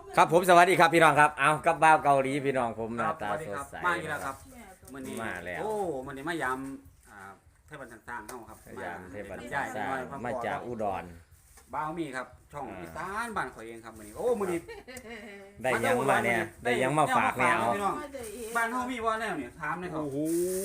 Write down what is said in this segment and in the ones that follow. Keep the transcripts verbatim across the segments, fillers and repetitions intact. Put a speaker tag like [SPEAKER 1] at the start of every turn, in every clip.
[SPEAKER 1] ครับผมสวัสดีครับพี่น้องครับเอากับบ้าวเกาหลีพี่น้องผมหน้าตาสดใส
[SPEAKER 2] มาอีกแล้วครับมื้อนี้
[SPEAKER 1] มาแล้ว
[SPEAKER 2] โอ้มื้อนี้มายามอ่าเทพบันต่างๆเฮาครับ
[SPEAKER 1] ยามเทพบัน
[SPEAKER 2] ใหญ่
[SPEAKER 1] สร้างมาจากอุดร
[SPEAKER 2] บ้าวมีครับช่อง
[SPEAKER 1] อ่า
[SPEAKER 2] อีสานบ้านข่อยเองครับมื้อนี้โอ้มื้อนี้
[SPEAKER 1] ได้ยังมาเนี่ยได้ยังมาฝากเนี่ยเอา
[SPEAKER 2] พี่น้องบ้านเฮามีบ่แนวนี่ถามหน่อยครับ
[SPEAKER 1] โอ้โห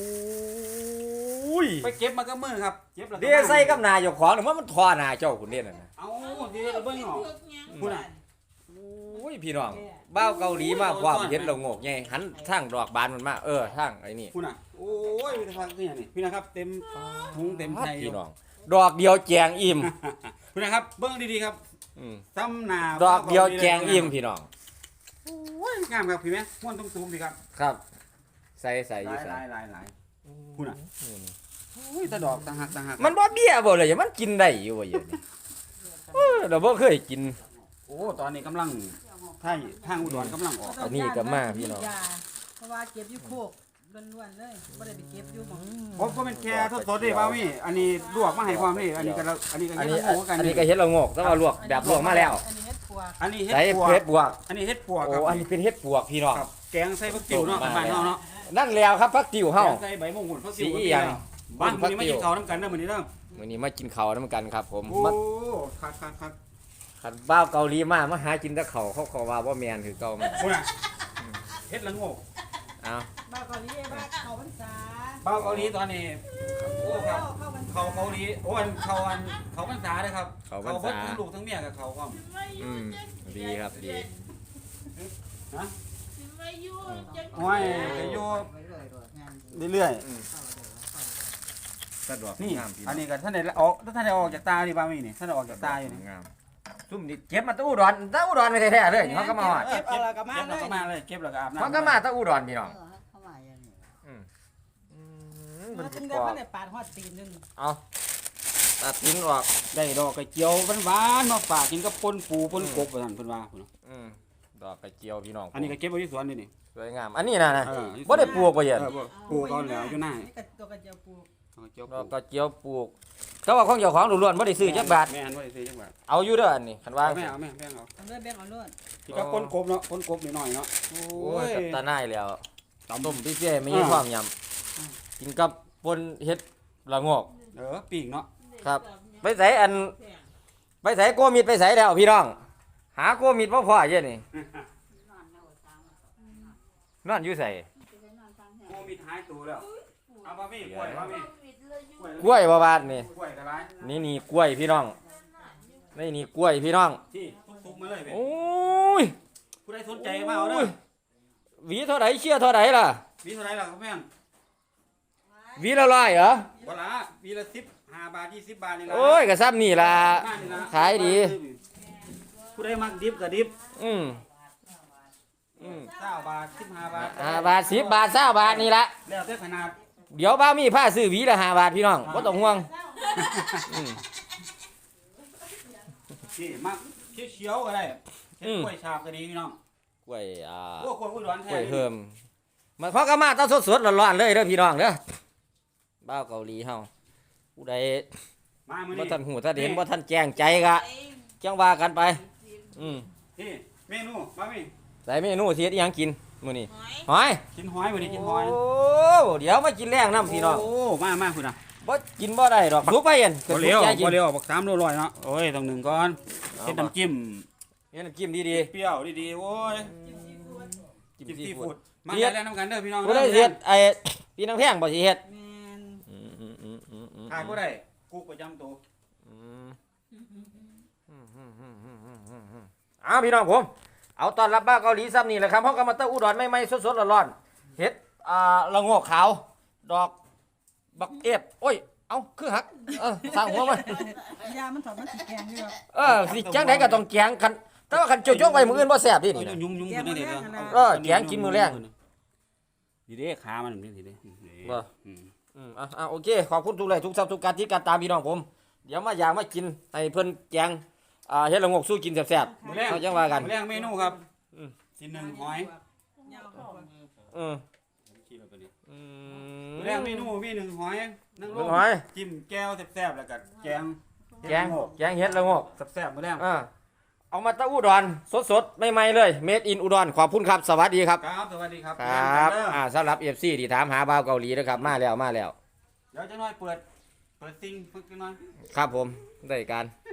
[SPEAKER 2] ไปเก็บมากับมือครับเก็บแล้วก็
[SPEAKER 1] เดี๋ยวใส่กับนายเจ้าของหรือว่ามันทอหนาเจ้าคุณเนี่ยนะ
[SPEAKER 2] เอ้าเดี๋ยวเบิ่งเนาะพุ่นน่ะ
[SPEAKER 1] โอ้ยพี่น้องบ้าวเกาหลีมาความเห็นเราโงกไงหันทางดอกบานมันมาเออทางไอ้นี่
[SPEAKER 2] พุ่นน่ะโอ้ยมีแต่ฟังคือหยังนี่พี่นะครับเต็มถุงเต็มไทย
[SPEAKER 1] พี่น้องดอกเดียวแจงอิ่ม
[SPEAKER 2] พุ่นนะครับเบิ่งดีๆครับ
[SPEAKER 1] อืม
[SPEAKER 2] ซ้ำหน้า
[SPEAKER 1] ดอกเดียวแจงอิ่มพี่น้อง
[SPEAKER 2] โอ้ยงามครับพี่แม่ม่วนตุ้มๆพี่ครับ
[SPEAKER 1] ครับใส่ใส่
[SPEAKER 2] ห
[SPEAKER 1] อยู่
[SPEAKER 2] ลาย
[SPEAKER 1] ใส่
[SPEAKER 2] หลายหลายหลายพุ่นน่ะโอ้ยแตะดอกต่างหากต่างหาก
[SPEAKER 1] มันบ่เบี้ยบ่เลยมันกินได้อยู่ว่าอย่างนี้เออเราบ่เคยกิน
[SPEAKER 2] โอ้ตอนนี้กำลังทางทางอุดรกำลังออก
[SPEAKER 1] อันนี้ก็มาพี่น้อง
[SPEAKER 3] เพราะว่าเก็บอยู่โคกล้วนๆเลยบ่ได้ไปเก็บอยู่หม้อง
[SPEAKER 2] ผมก็เป็นแค่ทดๆเด้บ่าวมี่อันนี้ลวกมาให้ความนี่อันนี้ก็เราอันนี้ก็
[SPEAKER 1] อัน
[SPEAKER 2] เฮ็
[SPEAKER 1] นี้
[SPEAKER 2] ดหมูกัน
[SPEAKER 1] อันนี้ก็เฮ็ดละโงกแต่ว่าลวกแบบลวกมาแล้ว
[SPEAKER 3] อันนี้เฮ็ดปวก
[SPEAKER 2] อันนี้เฮ็ด
[SPEAKER 1] ใส่
[SPEAKER 2] ปวก
[SPEAKER 1] เฮ็ดบวก
[SPEAKER 2] อันนี้เฮ็ดปวก
[SPEAKER 1] โอ้
[SPEAKER 2] ครับ
[SPEAKER 1] อันนี้เป็นเฮ็ดบวกพี่น้อง
[SPEAKER 2] ครับแกงใส่ผักติ๋วเนาะบ้านเฮาเนาะ
[SPEAKER 1] นั่นแล้วครับพักติ๋ว
[SPEAKER 2] แก
[SPEAKER 1] เฮาง
[SPEAKER 2] ใส่ใบมงกุฎผักติ๋ว
[SPEAKER 1] สีอย่าง
[SPEAKER 2] บ้านมื้อนี้มากินข้าวนํกันเด้อมื้อนี้เด้อ
[SPEAKER 1] มื้อนี้มากินข้าวนํกันครับผม
[SPEAKER 2] โอ้
[SPEAKER 1] มา
[SPEAKER 2] คักๆๆ
[SPEAKER 1] คันบ้าวเกาหลีมามาหากินแต่ข้าวเขาขอว่าบ่แม่นคือเก่ามัน
[SPEAKER 2] พุ่นน่ะเฮ็ดละโงก
[SPEAKER 1] เอา
[SPEAKER 3] บ้านเกาหลีบ้านเขาพรรษา
[SPEAKER 2] บ้าวเกาหลีตอนนี้โอ้ครับ
[SPEAKER 3] เข้าพรรษา
[SPEAKER 2] เขาเกาหลีโอ้อันเขาอันเขาพรรษาเด้อครับ
[SPEAKER 1] เขาพร
[SPEAKER 2] เขา
[SPEAKER 1] ร
[SPEAKER 2] เบิด
[SPEAKER 1] ษา
[SPEAKER 2] ทั้งลูกทั้งเมียกับเขาพร้อม
[SPEAKER 1] อืมดีครับดี
[SPEAKER 2] นะ
[SPEAKER 4] มาอยู่จะ
[SPEAKER 2] โอ้ยก็อยู่เรื่อย
[SPEAKER 1] สะดวก
[SPEAKER 2] ๆนี่
[SPEAKER 1] งามพี่
[SPEAKER 2] อันนี้ก็ท่านได้ออกท่านได้ออกจากตาดิบ้ามีนี่ท่านได้ออกจากตาอยู่นี่
[SPEAKER 1] งามซุ่มนี่เก็บมาแตะอุดรแตะอุดรไม่แท้ๆเลยเขาก็มาฮอด
[SPEAKER 2] เก็บแล้วก็มาเลยเก็บแล้วก็มาเลยเก็บแล้วก็อาบน้ำ
[SPEAKER 1] เขาก็มาแตะอุดรพี่น้อง
[SPEAKER 3] เข้ามาอย่างนี้
[SPEAKER 1] อืมอืม
[SPEAKER 3] มั
[SPEAKER 1] มัน น
[SPEAKER 3] ถึ
[SPEAKER 1] สิ
[SPEAKER 3] ง
[SPEAKER 1] ก
[SPEAKER 3] ได้
[SPEAKER 1] รอ
[SPEAKER 3] บ่
[SPEAKER 1] บ
[SPEAKER 3] ได้ปาดฮอดตีนนึง
[SPEAKER 1] เอาตัดทิ้งออก
[SPEAKER 2] ได้ดอกกระเจียวหวานๆมาฝากกินกับปนปูปนกบว่าซั่นเพิ่นว่าพุ่นเนาะ
[SPEAKER 1] อืมดอกกระเจียวพี่น้อง
[SPEAKER 2] อันนี้ก็เก็บไว้ที่สวนนี่นี่
[SPEAKER 1] สวยงามอันนี้นะนะ
[SPEAKER 2] เออ
[SPEAKER 1] บ่ได้ปลูกบ่เย็น
[SPEAKER 2] เออบ่ปลูกเอาแล้วอยู่หน้า
[SPEAKER 3] นี่ก็ตัวกระเจียวปลูก
[SPEAKER 2] เอาเจียว
[SPEAKER 1] ด
[SPEAKER 2] ป
[SPEAKER 1] อ
[SPEAKER 2] ลู
[SPEAKER 1] ก
[SPEAKER 2] ก
[SPEAKER 1] กระเจียวปลูกแต่ว่าของเจ้าของล้วนๆบ่ได้ซื้อจักบาท
[SPEAKER 2] แม่นบ่ได้ซื้อจักบาท
[SPEAKER 1] เอาอยู่เด้ออันนี้คันว่า
[SPEAKER 2] เอาแม่เอาแม่แม่เอา
[SPEAKER 3] ทำด้วยแบ่งเอาโลด
[SPEAKER 2] ที่กับปนกบเนาะปนกบนิดหน่อยเนาะโอ้
[SPEAKER 1] โอ้ย
[SPEAKER 2] ย
[SPEAKER 1] กับตาหน้ายแล้ว
[SPEAKER 2] ตำ
[SPEAKER 1] ต้มพี่เจ้มีความยำกินกับปนเฮ็ดละโงก
[SPEAKER 2] เออปีกเนาะ
[SPEAKER 1] ครับ ไปใส่อันไปใส่โกมิดไปใส่แล้วพี่น้อง หาโกมิดบ่พอเย็นนี่นอนอยู่ใส่
[SPEAKER 2] โอ้มีท้ายตัวแล้วเอาบ่มีกล้วยบ่มี
[SPEAKER 1] กล้วยบ่บาดนี่
[SPEAKER 2] กล้วยก็หลาย
[SPEAKER 1] นี่นี่กล้วยพี่น้องนี่นี่กล้วยพี่น้อง
[SPEAKER 2] ที่ทุกๆมาเลยเว้ย
[SPEAKER 1] โอ้ย
[SPEAKER 2] ผู้ใดสนใจมาเอาเด้อ
[SPEAKER 1] หวีเท่าไหร่เชี่ยเท่าไหร่ล่ะ
[SPEAKER 2] มีเท่าไหร่ล่ะครับแม่น
[SPEAKER 1] หวีละร้อยเหรอ
[SPEAKER 2] บ่ละวีละสิบห้าบาทยี่สิบบาทนี่ล่ะ
[SPEAKER 1] โอ้ยก็ซ้ำนี่ล่ะ
[SPEAKER 2] มานี่ล่ะ
[SPEAKER 1] ขายดี
[SPEAKER 2] ผู้ใดมักดิบก็ดิบ
[SPEAKER 1] อืมอืม
[SPEAKER 2] เก้าบาทสิบห้าบาท
[SPEAKER 1] ห้าบาทสิบบาทเก้าบาทนี่ละ
[SPEAKER 2] แล้วแต่ขนาด
[SPEAKER 1] เดี๋ยวบ้ามีผ้าซื้อหวีละห้าบาทพี่น้องบ่ต้องห่วงอืม
[SPEAKER 2] ที่มักเขียวๆก็ได้เฮ็ด
[SPEAKER 1] อืม
[SPEAKER 2] กล้วยฉาบก็ดีพี่น้อง
[SPEAKER 1] กล้วยอ่า
[SPEAKER 2] โอ้กล้วยผู้ดอน
[SPEAKER 1] ก
[SPEAKER 2] แท้
[SPEAKER 1] ล้วยเพิ่มมันเขาก็มาตอนสดๆร้อนๆเลยเด้อพี่น้องเด้อบ้าวเกาหลีเฮาผู้ใด
[SPEAKER 2] มามื้อ
[SPEAKER 1] บ่
[SPEAKER 2] นี้
[SPEAKER 1] ทันหูถ้าเห็นบ่ทันแจ้งใจก็จังว่ากันไปอืม
[SPEAKER 2] ที่เมนูมามี
[SPEAKER 1] ใส่เมนูสิเฮ็ดอิหยังกินมื้อนี้
[SPEAKER 4] หอย
[SPEAKER 1] หอย
[SPEAKER 2] กินหอยมื้อนี้กินหอย
[SPEAKER 1] โอ้เดี๋ยวมากินแรงน้ำพี่น้อง
[SPEAKER 2] โอ้มามาพุ่นน่ะ
[SPEAKER 1] บ่กินบ่ได้ดอกสุกไปเห็น
[SPEAKER 2] บ่เลี้ยว
[SPEAKER 1] สุกใจกิน
[SPEAKER 2] บ่เลี้ยวบักสามโลร้อยเนาะโอ้ยต้องหนึ่งก่อนเฮ็ดน้ำจิ้ม
[SPEAKER 1] เฮ็ดน้ำจิ้มดี
[SPEAKER 2] เปรี้ยวดีๆโอ้ย
[SPEAKER 1] ๆ
[SPEAKER 2] จิ้ม
[SPEAKER 1] ซี
[SPEAKER 2] ซี
[SPEAKER 1] ฟู
[SPEAKER 2] ฟู้
[SPEAKER 1] ด
[SPEAKER 2] ดมาได้แล้วน้ำกันเด้อพี่น้อง
[SPEAKER 1] บ่ได้เฮ็ดไอ้พี่น้ำแพงบ่สิเฮ็ด
[SPEAKER 3] แม่น
[SPEAKER 1] อืมอืมอืมอืมอืม
[SPEAKER 2] ขายบ่ได้กุ๊กประจำตัว
[SPEAKER 1] อืมอืมอืมอืมอืมอืมอืมอืมอ้าวพี่น้องผมเอาตอนรับบ้าวเกาหลีซ้ำนี่แหละครับเฮาก็มาเต้าอุดรใหม่ๆสดๆร้อนๆเฮ็ดอ่าละโงกขาวดอกบักเอฟโอ้ยเอ้าคือหักเออสร้างหัวมัน
[SPEAKER 3] ยามันถอดมันสิแกงอยู่ดอก
[SPEAKER 1] เออสิจังไดก็ต้องแกงคันแต่ว่าคันเจ้าจกไว้มื้ออื่นบ่แซ่บดิ
[SPEAKER 2] เอา
[SPEAKER 1] นี่นะ
[SPEAKER 2] ยุ่งๆขึ้นได้เด้อ
[SPEAKER 1] เออแกงกินมื้อแรง
[SPEAKER 2] ดีเด้ขามันนี่ดีเด้
[SPEAKER 1] บ่
[SPEAKER 2] อืม
[SPEAKER 1] อืมอ่ะอ่ะโอเคขอบคุณทุกเลยทุกทับทุกการที่การตามพี่น้องผม เดี๋ยวมาอยากมากินให้เพิ่นแกงอ่าเฮ็ดละงกสู้กินแซ่บ
[SPEAKER 2] มื้อแรง
[SPEAKER 1] ๆเขาจังว่ากัน
[SPEAKER 2] มื้อแรงเมนูครับ
[SPEAKER 1] อืม
[SPEAKER 2] สิหนึ่งหอย
[SPEAKER 3] ยาวกว่า
[SPEAKER 1] อืม
[SPEAKER 2] ขี้แล้วตัวนี้
[SPEAKER 1] อื
[SPEAKER 2] มื้อแรงเมนูมีหนึ่งหอยนั่ง
[SPEAKER 1] ห
[SPEAKER 2] ล
[SPEAKER 1] นึ่
[SPEAKER 2] ง
[SPEAKER 1] งหอย
[SPEAKER 2] จิ้มแก้วแซ่บๆแล้วก็แกง
[SPEAKER 1] แกงแกงเฮ็ดละงก
[SPEAKER 2] แซ่บๆมื้อแรง
[SPEAKER 1] อ่าเอามาตะอุดรสดๆใหม่ๆเลยเมดอินอุดรขอบคุณครับสวัสดีครับ
[SPEAKER 2] ครับสวัสดีครับ
[SPEAKER 1] ครับ
[SPEAKER 2] เรียนกันเด้อ
[SPEAKER 1] อ่าสำหรับ เอฟ ซี ที่ถามหาบ่าวเกาหลีนะครับมาแล้วมาแล้ว
[SPEAKER 2] เดี๋ยวจะน้อยเปิดเปิดซิงฝึกจังหน่อย
[SPEAKER 1] ครับผมได้การ